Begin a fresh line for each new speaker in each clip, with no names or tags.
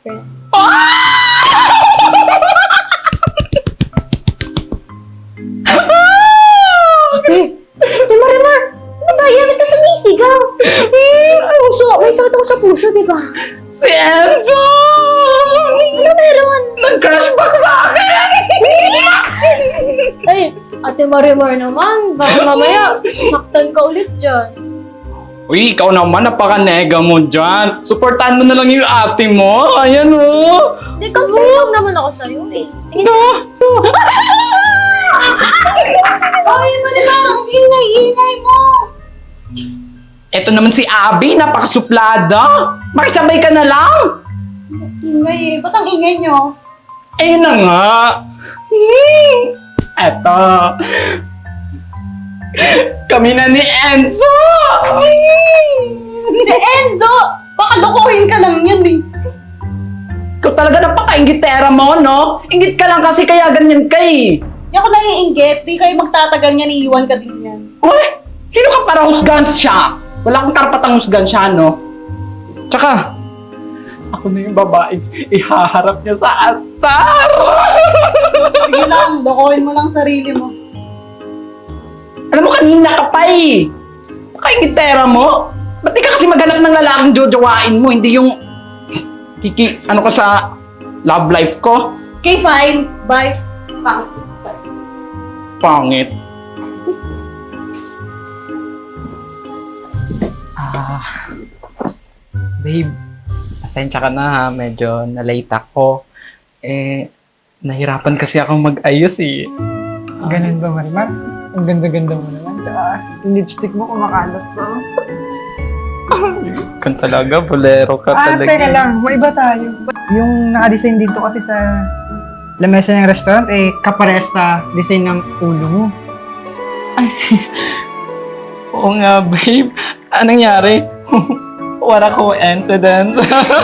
friend. Ate! Ate Marimar! Ano ba yan? Ba't ka sumisigaw? Puso! May sakit ako sa puso, di ba?
Si Enzo!
Ano meron?
Nag-crush back sa akin!
Ay, Ate Marimar naman. Baka mamaya, saktan ka ulit dyan.
Uy, ikaw naman, napaka-nega mo dyan. Supportahan mo na lang yung ate mo. Ayan o.
Hindi, concern lang naman ako sa'yo eh. Tingin
Ay, Marimar, ang ingay-ingay mo!
Eto naman si Abby, napakasuplada. Makisabay ka na lang.
Ingay eh. Ba't ang ingay nyo?
Ayun na nga. Eto. Kami na ni Enzo.
Si Enzo! Baka lokohin ka lang yan eh.
Ikaw talaga napaka-inggitera mo, no? Inggit ka lang kasi kaya ganyan ka eh.
Di ako naiinggit. Di kayo magtatagal niyan, iiwan ka din yan.
Uy, sino ka para husgan siya? Wala kang karapatang husgan siya, no? Tsaka, ako na yung babae, ihaharap niya sa altar.
Sige lang, lokohin mo lang sarili mo.
Alam mo, kanina ka pa eh. Pakaingitera mo. Ba't di ka kasi maghanap ng lalaking jojowain mo, hindi yung ano ka sa love life ko?
Okay, fine. Bye. Pangit. Bye.
Pangit. Babe, pasensya ka na ha. Medyo na-late ako. Nahirapan kasi akong mag-ayos eh.
Ganun ba, Marimar? Ang ganda-ganda mo naman. Tsaka, yung lipstick mo kumakalat pa.
Kan talaga, bolero ka talaga.
Teka lang. Maiba tayo. Yung naka-design dito kasi sa lamesa ng restaurant, kapares sa design ng ulo mo.
Oo nga, babe. Anong nangyari? What a coincidence.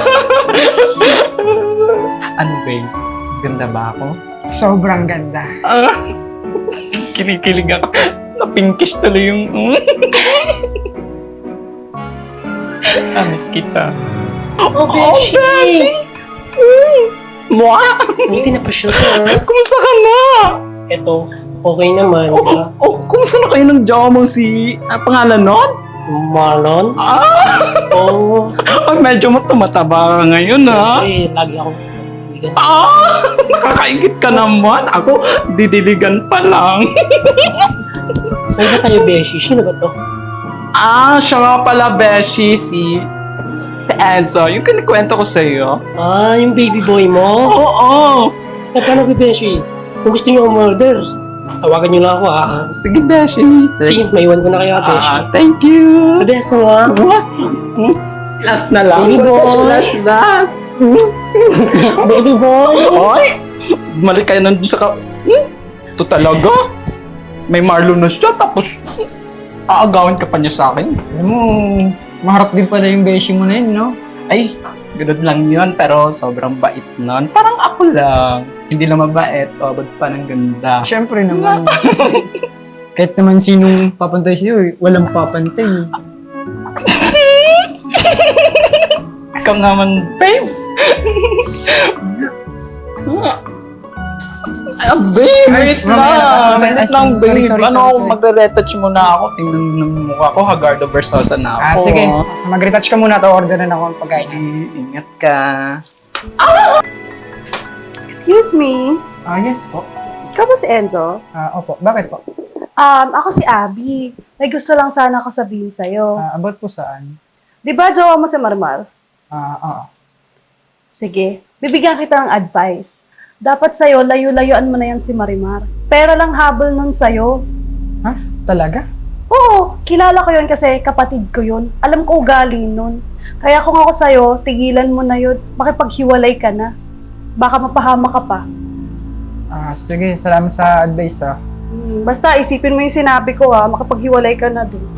Ano, babe? Ganda ba ako?
Sobrang ganda.
Kinikilig ako. Na-pinkish tuloy yung... Miss kita.
Oh, Beshi!
Mwa!
Buti na pa siya ka.
Kumusta ka na?
Eto, okay naman.
Kumusta na kayo ng jowa mo si... pangalan nun?
Marlon? Oo.
Medyo mo tumataba ka ngayon, ha?
Kasi lagi akong bigan.
Nakakaingit ka naman. Ako, didiligan pa lang.
May ba tayo, Beshi? Sino ba to?
Siya nga pala, Beshi, si Enzo. Yung kinikwento ko sa'yo.
Yung baby boy mo?
Oo.
Paano ba, Beshi? Kung gusto niyo umorder, tawagan niyo lang ako, ha?
Sige, Beshi.
Sige, maiwan ko na kayo, Beshi.
Thank you.
Beso nga.
Last na lang.
Baby boy.
Last.
Baby boy!
Oy! Bumalik kayo nandun sa Ito talaga? May Marlon na siya, tapos aagawin ka pa niya sa akin.
Alam mo, maharap din pala yung beshi mo na yun, no?
Ay, ganun lang yun, pero sobrang bait nun. Parang ako lang. Hindi lang mabait, abad pa ng ganda.
Siyempre naman. Kahit naman sinong papantay sa'yo, walang papantay.
Ikaw naman, babe. Babe, wait lang. Sandit lang, babe.
Sorry.
Magre-retouch muna ako. Tingnan mo ng mukha ko, Hagardo Versosa na ako.
Sige. Mag-retouch ka muna. Order na ako ng pagkain.
Ingat ka.
Excuse me.
Yes po.
Ikaw ba si Enzo?
Opo. Bakit po?
Ako si Abby. May gusto lang sana ako sabihin sa'yo.
About po saan?
Di ba jowa mo si Marmar?
Oo.
Sige, bibigyan kita ng advice. Dapat sa'yo, layo-layuan mo na yan si Marimar. Pera lang habol nun sa'yo.
Ha? Talaga?
Oo, kilala ko yun kasi kapatid ko yun. Alam ko ugali nun. Kaya kung ako sa'yo, tigilan mo na yun. Makipaghiwalay ka na. Baka mapahama ka pa.
Sige. Salamat sa advice,
Basta isipin mo yung sinabi ko makipaghiwalay ka na dun.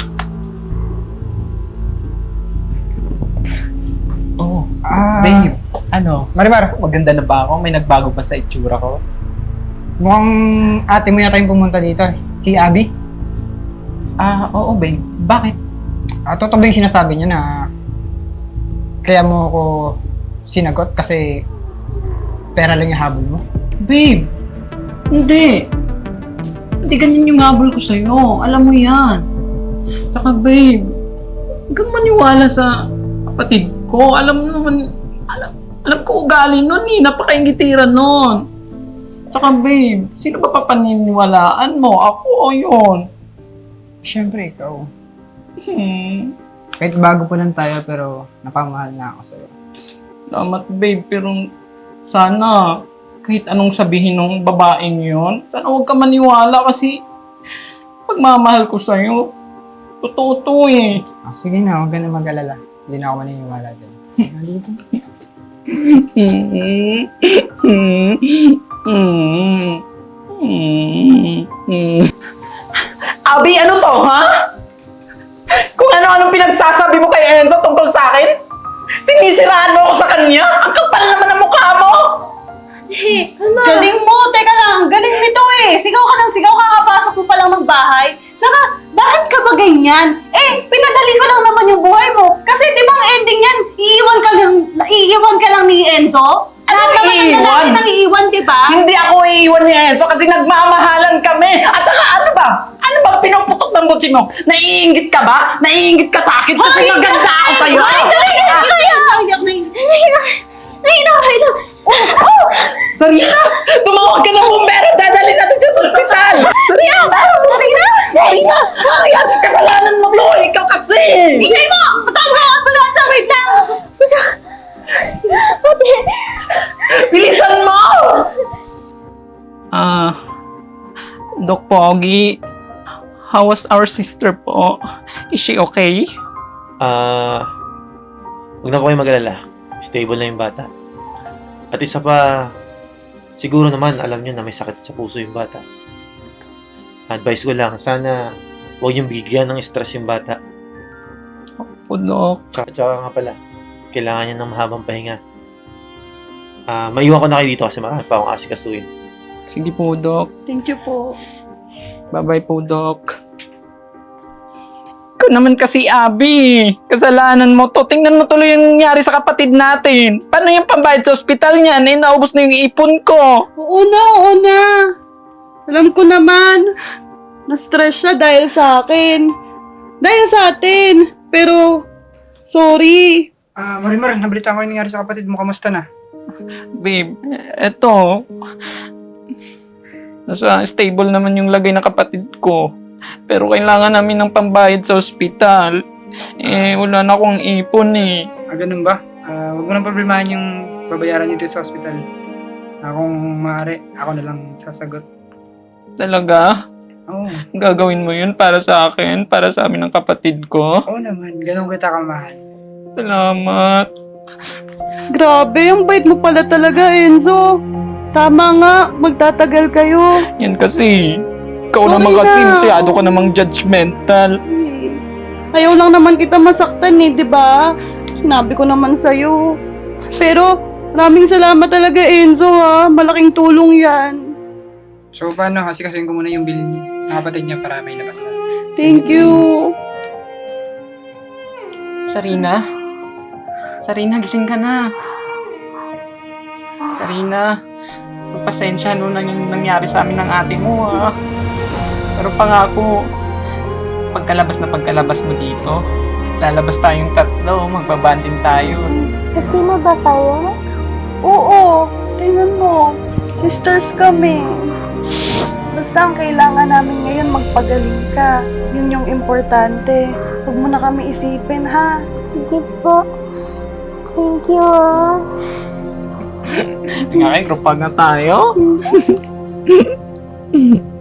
Oh, babe. Ano?
Marimar,
Maganda na ba ako? May nagbago ba sa itsura ko?
mukhang ate mo yata yung pumunta dito. Si Abby.
Oo, babe. Bakit?
Totoo ba yung sinasabi niya na kaya mo ako sinagot kasi pera lang yung habol mo?
Babe, hindi. Hindi ganyan yung habol ko sa'yo. Alam mo yan. Tsaka babe, huwag kang maniwala sa kapatid ko. Alam ko ugali nun eh. Napakaingitiran nun. Tsaka babe, sino ba papaniniwalaan mo? Ako o yun?
Siyempre, ikaw.
Hmm.
Kahit bago pa lang tayo, pero napamahal na ako sa'yo.
Salamat babe, pero sana kahit anong sabihin ng babaeng yon, sana huwag ka maniwala kasi pagmamahal ko sa'yo, totoo to eh.
Sige na, huwag ka na mag-alala. Hindi na ako maniniwala din. Dito.
Abi, ano to, ha? Kung ano-anong pinagsasabi mo kay Enzo tungkol sa akin? Sinisiraan mo ako sa kanya? Ang kapal naman ang mukha mo!
Galing mo! Teka lang, galing nito eh! Sigaw ka ng sigaw, kakapasok mo pa lang ng bahay. Tsaka, bakit ka ba ganyan? Pinadali ko lang naman yung buhay mo. Kasi di ba ang ending yan, iiwan ka lang ni Enzo? Lahat naman ng
iiwan?
lalaki nang iiwan, di ba?
Hindi ako iiwan ni Enzo kasi nagmamahalan kami. At saka ano ba? Ano ba pinuputok ng butsi mo? Naiingit ka ba? Naiingit ka sa akin kasi maganda ako sa'yo. Sarina! Tumawag ka ng bumbero! Dadalhin natin siya sa ospital! Sarina! Sarina! Ayan! Kasalanan mo, Chloe! Ikaw kasi!
Ingay mo! Patawag ka pala sa wait lang!
Bilisan mo! Doc Pogi, how was our sister po? Is she okay?
Huwag na po kayo mag-alala. Stable na yung bata. At isa pa, siguro naman alam nyo na may sakit sa puso yung bata. Advice ko lang, sana huwag niyong bigyan ng stress yung bata.
Po, Doc.
Tsaka nga pala, kailangan niya ng mahabang pahinga. Maiwan ko na kayo dito kasi marami pa akong asikasuhin.
Sige po, Doc.
Thank you po.
Bye-bye po, Doc. Ikaw naman kasi, Abi. Kasalanan mo to. Tingnan mo tuloy yung nangyari sa kapatid natin. Paano yung pambayad sa ospital niyan? Naubos na yung ipon ko.
Oo na. Alam ko naman. Na-stress siya dahil sa akin. Dahil sa atin. Pero, sorry.
Marimar, nabalitaan ko yung nangyari sa kapatid mo. Kamusta na?
Babe, eto. Nasa stable naman yung lagay ng kapatid ko. Pero kailangan namin ng pambayad sa ospital. Wala na akong ipon eh.
Ganun ba? Huwag mo nang problemahan yung babayaran dito sa hospital. Kung maaari, ako na lang sasagot.
Talaga?
Oo.
Gagawin mo yun para sa akin? Para sa amin ng kapatid ko?
Oo naman, ganun kita kamahal.
Salamat.
Grabe, ang bait mo pala talaga, Enzo. Tama nga, magtatagal kayo.
Yan kasi. Ikaw
Sorry
naman kasi
na.
masyado ka namang judgmental.
Ayaw lang naman kita masaktan eh, di ba? Sinabi ko naman sa'yo. Pero, maraming salamat talaga, Enzo ha. Malaking tulong yan.
So paano? Kasi ko muna yung bill ng kapatid niya para may labas na.
Thank you.
Sarina? Sarina, gising ka na. Sarina, magpasensya no na yung nangyari sa amin ng ate mo ha. Pero pangako, pagkalabas mo dito, lalabas tayong tatlo, magbabanding tayo.
Happy na ba tayo?
Oo, tingnan mo. Sisters kami. Basta ang kailangan namin ngayon magpagaling ka. Yun yung importante. Huwag mo na kami isipin, ha?
Sige po. Thank you ah.
Nga kayo, grupag na tayo.